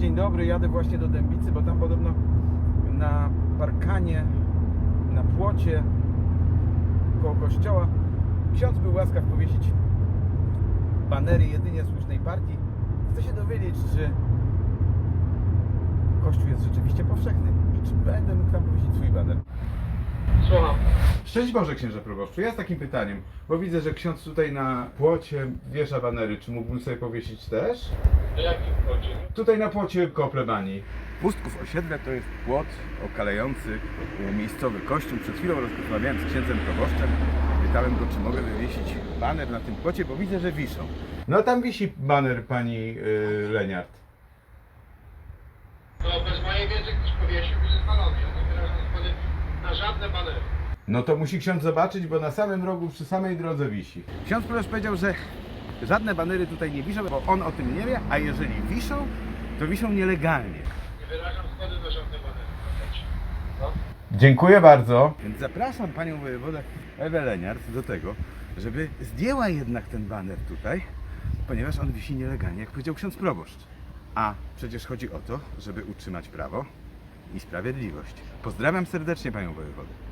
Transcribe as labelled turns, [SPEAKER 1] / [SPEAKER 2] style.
[SPEAKER 1] dzień dobry, jadę właśnie do Dębicy, bo tam podobno na parkanie, na płocie koło kościoła ksiądz był łaskaw powiesić banery jedynie słusznej partii. Chcę się dowiedzieć, czy kościół jest rzeczywiście powszechny i czy będę mógł tam powiesić swój baner.
[SPEAKER 2] Słucham.
[SPEAKER 1] Szczęść Boże, księże proboszczu. Ja z takim pytaniem, bo widzę, że ksiądz tutaj na płocie wiesza banery. Czy mógłbym sobie powiesić też?
[SPEAKER 2] Na jakim płocie?
[SPEAKER 1] Tutaj na płocie koło plebanii. Pustków osiedle to jest płot okalający miejscowy kościół. Przed chwilą rozmawiałem z księdzem proboszczem. Pytałem go, czy mogę wywiesić baner na tym płocie, bo widzę, że wiszą. No tam wisi baner pani Leniart.
[SPEAKER 2] To bez mojej wiedzy ktoś powiesił i zespalony. Ja nie wyrażam zgody na żadne banery.
[SPEAKER 1] No to musi ksiądz zobaczyć, bo na samym rogu, przy samej drodze wisi. Ksiądz proboszcz powiedział, że żadne banery tutaj nie wiszą, bo on o tym nie wie, a jeżeli wiszą, to wiszą nielegalnie.
[SPEAKER 2] Nie wyrażam zgody na żadne banery. No?
[SPEAKER 1] Dziękuję bardzo. Więc zapraszam panią wojewodę Ewę Leniart do tego, żeby zdjęła jednak ten baner tutaj, ponieważ on wisi nielegalnie, jak powiedział ksiądz proboszcz. A przecież chodzi o to, żeby utrzymać prawo i sprawiedliwość. Pozdrawiam serdecznie panią wojewodę.